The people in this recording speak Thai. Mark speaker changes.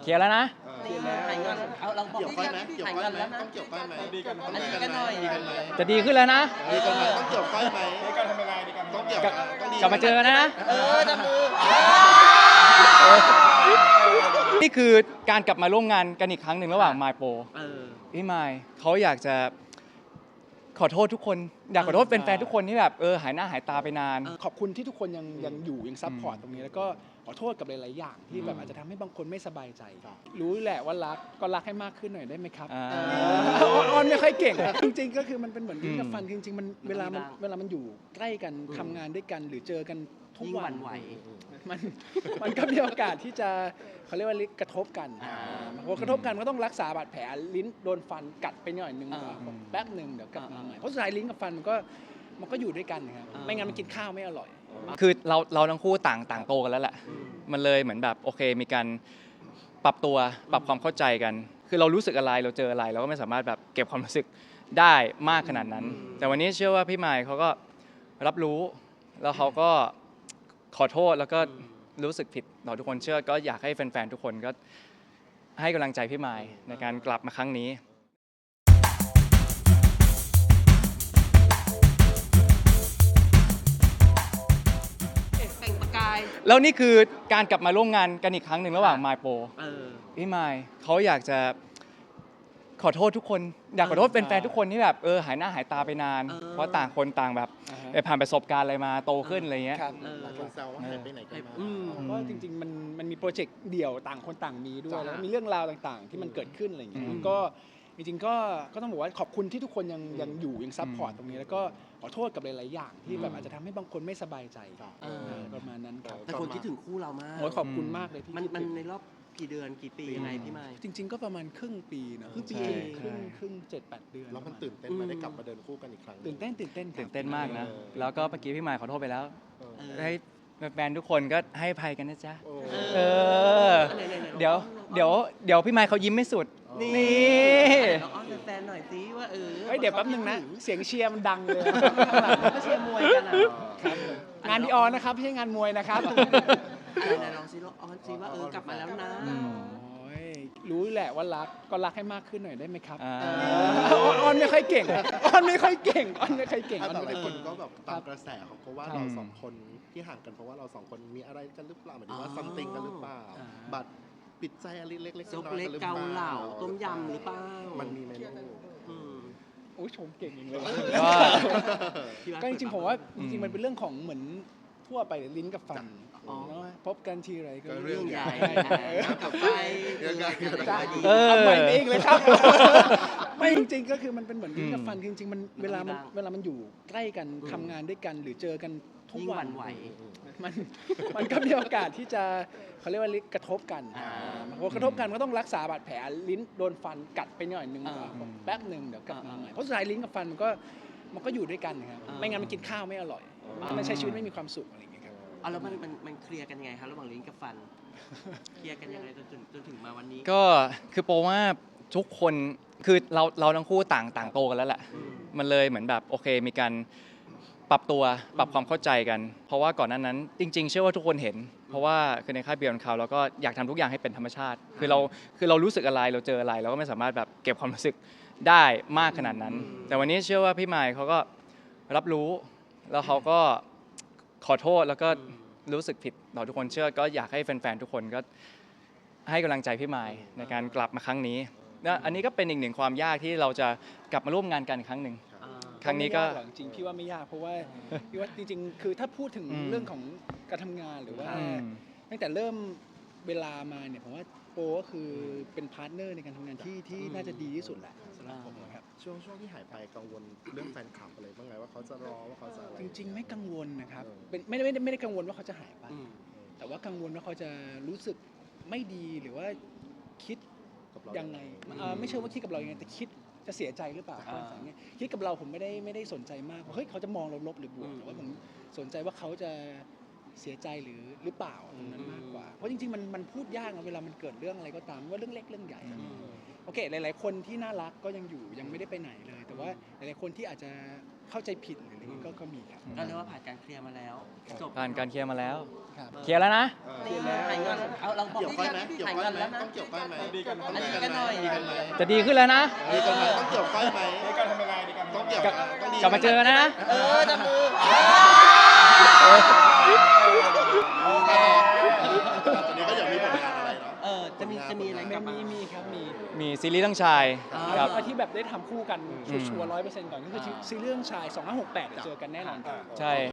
Speaker 1: เคลียร์แล้วนะ
Speaker 2: นี่หายเงินเอาเราบอก
Speaker 3: เกี่ยวก้อยไหมเกี่ยว
Speaker 2: หาย
Speaker 3: ก้อย
Speaker 2: เงิน
Speaker 3: ไหม
Speaker 2: แล้วนะ
Speaker 3: ต้องเกี่ยวก้อยไหมดีกัน
Speaker 2: อันนี้กันหน่อย
Speaker 3: ดีกันไหม
Speaker 1: จะดีขึ้นแล้วนะ
Speaker 3: ดีกันไหมต้องเกี่ยวก้อยไหม
Speaker 4: ในการทำยังไงในการ
Speaker 3: ต้องเกี่ยวต้องดี
Speaker 1: กลับมาเจอกันนะ
Speaker 2: จับมือ
Speaker 1: นี่คือการกลับมาร่วมงานกันอีกครั้งหนึ่งระหว่างมายโปพี่มายเขาอยากจะขอโทษทุกคนอยากขอโทษแฟนๆทุกคนที่แบบหายหน้าหายตาไปนาน
Speaker 4: ขอบคุณที่ทุกคนยังอยู่ยังซัพพอร์ตตรงนี้แล้วก็ขอโทษกับหลายๆอย่างที่แบบอาจจะทำให้บางคนไม่สบายใจ รู้แหละว่ารักก็รักให้มากขึ้นหน่อยได้ไหมครับอ้อนไม่ค่อยเก่งจริงๆก็คือมันเป็นเหมือนลิ้นกับฟันจริงๆมันเวลามันอยู่ใกล้กันทำงานด้วยกันหรือเจอกันทุก
Speaker 2: ยิ่งห
Speaker 4: วั
Speaker 2: วัน ่นไหว
Speaker 4: มันก็มีโอกาสที่จะเขาเรียกว่ากระทบกันพอกระทบกันก็ต้องรักษาบาดแผลลิ้นโดนฟันกัดไปหน่อยนึงแป๊บหนึ่งเดี๋ยวกลับมาใหม่เพราะสุดท้ายลิ้นกับฟันมันก็อยู่ด้วยกันนะครับไม่งั้นมันกินข้าวไม่อร่อย
Speaker 1: คือเราทั้งคู่ต่างโตกันแล้วแหละมันเลยเหมือนแบบโอเคมีการปรับตัวปรับความเข้าใจกัน คือเรารู้สึกอะไรเราเจออะไรเราก็ไม่สามารถแบบเก็บความรู้สึกได้มากขนาดนั้น แต่วันนี้เชื่อว่าพี่มายเขาก็รับรู้แล้วเขาก็ขอโทษแล้วก็รู้สึกผิดต่อทุกคนเชื่อก็อยากให้แฟนๆทุกคนก็ให้กำลังใจพี่มายในการกลับมาครั้งนี้
Speaker 2: แต่งประกาย
Speaker 1: แล้วนี่คือการกลับมาร่วมงานกันอีกครั้งหนึ่งระหว่างมายโปพี่มายเขาอยากจะขอโทษทุกคนอยากขอโทษแฟนๆทุกคนที่แบบหายหน้าหายตาไปนานเพราะต่างคนต่างแบบผ่านประสบการณ์อะไรมาโตขึ้นอะไรเงี้ย
Speaker 3: หลายคนแซวว่าหายไปไหนกันมา
Speaker 4: เพราะจริงๆมันมีโปรเจกต์เดี่ยวต่างคนต่างมีด้วยแล้วมีเรื่องราวต่างๆ ที่มันเกิดขึ้นอะไรอย่างเงี้ยก็จริงๆก็ต้องบอกว่าขอบคุณที่ทุกคนยังอยู่ยังซัพพอร์ตตรงนี้แล้วก็ขอโทษกับหลายๆอย่างที่แบบอาจจะทำให้บางคนไม่สบายใจประมาณนั้นครับ
Speaker 2: แต่คนคิดถึงคู่เรามาก
Speaker 4: โอ้ยขอบคุณมากเลยที่
Speaker 2: มันในรอบกี่เดือนกี่ปียังไงพี่ไม้
Speaker 4: จริง ๆ ก็ประมาณครึ่งปีนะครึ่งปีครึ่ง7-8 เดือน
Speaker 3: แล้วมันตื่นเต้นมาได้กลับมาเดินคู่กันอีกครั้ง
Speaker 4: ตื่นเต้นครับ
Speaker 1: ตื่นเต้นมากนะแล้วก็เมื่อกี้พี่มายขอโทษไปแล้วให้แฟนๆทุกคนก็ให้อภัยกันนะจ๊ะเดี๋ยวพี่มายเขายิ้มไม่สุดนี่
Speaker 2: เราอ้อนแฟนๆหน่อยสิว่า
Speaker 4: เดี๋ยวแป๊บนึงนะเสียงเชียร์มันดังเลย
Speaker 2: ก็เชียร์มวยกันอ่ะ
Speaker 4: งานดีออนนะครับไม่ใช่งานมวยนะครับ
Speaker 2: ไหนลองซิอ้อนซิว่ากลับมาแล้วนะ
Speaker 4: รู้แหละว่ารักก็รักให้มากขึ้นหน่อยได้ไหมครับอ้อนไม่ค่อยเก่งอ้อนไม่ค่อยเก่ง
Speaker 3: แต่หลายคนก็แบบตามกระแสเขาก็ว่าเราสองคนที่ห่างกันเพราะว่าเราสองคนมีอะไรกันหรือเปล่าหมายถึงว่าซัมติงกันหรือเปล่าบัตรปิดใจอะไรเล็กๆ
Speaker 2: ซุป
Speaker 3: น้อยๆ
Speaker 2: เล็
Speaker 3: กั
Speaker 2: ก
Speaker 3: นหรือเป
Speaker 2: เกา
Speaker 3: ล่า
Speaker 2: เหลาต้มยำหรือเปล่า
Speaker 3: มันมีไหมลูก
Speaker 4: โอ้ยชมเก่งจริงเลย
Speaker 1: ก็
Speaker 4: ก็จริงๆผมว่าจริงๆมันเป็นเรื่องของเหมือนทั่วไปลิ้นกับฟันเนาะพบกันทีไรก็
Speaker 3: ก็เรื่
Speaker 4: เรื่
Speaker 3: อ
Speaker 4: อง ง
Speaker 3: ให
Speaker 4: ให
Speaker 3: ญ่
Speaker 4: ญ่
Speaker 2: กลับไป
Speaker 4: เอาใหม่เองเลยครับไม่จริงๆก็คือมันเป็นเหมือนลิ้นกับฟันจริงๆมันเวลามันอยู่ใกล้กันทำงานด้วยกันหรือเจอกันทุก
Speaker 2: ยิ่งห
Speaker 4: วั
Speaker 2: วัน ่นไหว
Speaker 4: มันก็มีโอกาสที่จะเขาเรียกว่ากระทบกันพอกระทบกันก็ต้องรักษาบาดแผลลิ้นโดนฟันกัดไปหน่อยนึงแป๊บหนึ่งเดี๋ยวกลับมาใหม่เพราะสุดท้ายลิ้นกับฟันมันก็อยู่ด้วยกันนะครับไม่งั้นมันกินข้าวไม่อร่อยมันใช้ชีวิตไม่มีความสุขอะไรอย่างเงี้ยครับ
Speaker 2: แล้วมันเคลียร์กันยังไงครับระหว่างลิ้นกับฟันเคลียร์กันยังไงจนถึงมาวันนี้
Speaker 1: ก็คือโปรว่าทุกคนคือเราทั้งคู่ต่างโตกันแล้วแหละมันเลยเหมือนแบบโอเคมีการปรับตัวปรับความเข้าใจกัน เพราะว่าก่อนหน้านั้นจริงๆเชื่อว่าทุกคนเห็น เพราะว่าคือในค่ายเบียร์เขาเราก็อยากทำทุกอย่างให้เป็นธรรมชาติคือเรารู้สึกอะไรเราเจออะไรเราก็ไม่สามารถแบบเก็บความรู้สึกได้มากขนาดนั้น แต่วันนี้เชื่อว่าพี่มายเขาก็รับรู้แล้วเขาก็ขอโทษแล้วก็รู้สึกผิดต่อทุกคนเชื่อก็อยากให้แฟนๆทุกคนก็ให้กำลังใจพี่มายในการกลับมาครั้งนี้และอันนี้ก็เป็นอีกหนึ่งความยากที่เราจะกลับมาร่วมงานกันอีกครั้งหนึ่งครั้งนี้ก็
Speaker 4: จริงๆพี่ว่าไม่ยากเพราะว่าพี่ว่าจริงๆคือถ้าพูดถึงเรื่องของการทำงานหรือว่าตั้งแต่เริ่มเวลามาเนี่ยผมว่าโปก็คือเป็นพาร์ทเนอร์ในการทำงานที่น่าจะดีที่สุดแหละสำหรับผมนะครับ
Speaker 3: ช่วงที่หายไปกังวลเรื่องแฟนคลับอะไรบ้างไงว่าเขาจะรอว่าเขาจะอะไร
Speaker 4: จริงๆไม่กังวลนะครับเป็นไม่ได้กังวลว่าเขาจะหายไปแต่ว่ากังวลว่าเขาจะรู้สึกไม่ดีหรือว่าคิดยังไงไม่เชื่อว่าคิดกับเรายังไงแต่คิดจะเสียใจหรือเปล่าคิดกับเราผมไม่ได้สนใจมากว่าเฮ้ยเขาจะมองเราลบหรือ บวกแต่ว่าผมสนใจว่าเขาจะเสียใจหรือเปล่าตรงนั้นมากกว่าเพราะจริงๆมันพูดยากนะเวลามันเกิดเรื่องอะไรก็ตามว่าเรื่องเล็กเรื่องใหญ่อะโอเคหลายๆคนที่น่ารักก็ยังอยู่ยังไม่ได้ไปไหนเลย แต่ว่าหลายๆคนที่อาจจะเข้าใจผิดหรืออะไรอย่างงี้ก็มีครับ
Speaker 2: ก็เรียกว่าผ่านการเคลียร์มาแล้วจบ
Speaker 1: ผ่านการเคลียร์มาแล้ว
Speaker 4: ครับ
Speaker 1: เคลียร์แล้วนะ
Speaker 2: เคลียร์แล้วหายเงินเอาเราบอก
Speaker 3: เกี่ยวก้อยไหม
Speaker 2: ที่
Speaker 3: เกี่ยว
Speaker 2: หาย
Speaker 3: ก้อย
Speaker 2: เงิน
Speaker 3: ไหม
Speaker 2: แล้วนะ
Speaker 3: ต้องเกี่ยวก้อยไหม
Speaker 5: ดีกัน
Speaker 2: อันนี้กันหน่อย
Speaker 3: ดีกันไหม
Speaker 1: จะดีขึ้นแล้วนะ
Speaker 3: ดีกันไหมต้องเกี่ยวก้อยไหม
Speaker 5: ดีกันทำยังไงดีกัน
Speaker 3: ต้องเกี่ยวต้องดี
Speaker 1: กลับมาเจอกันนะ
Speaker 2: จับมือ
Speaker 3: ตอนนี้ก็ยังมีผลงานอะไรเนาะ
Speaker 2: จะมีอะไรกลับมา
Speaker 4: มีครับมี
Speaker 1: มีซีรีส์ทั้งชาย
Speaker 2: อ่า
Speaker 1: ครับ
Speaker 4: ที่แบบได้ทำคู่กันชัวร์100%ก่อนก็คือซีรีส์เรื่องชาย2568เดี๋ยวเจอกันแน่นอนครับ
Speaker 1: ใช่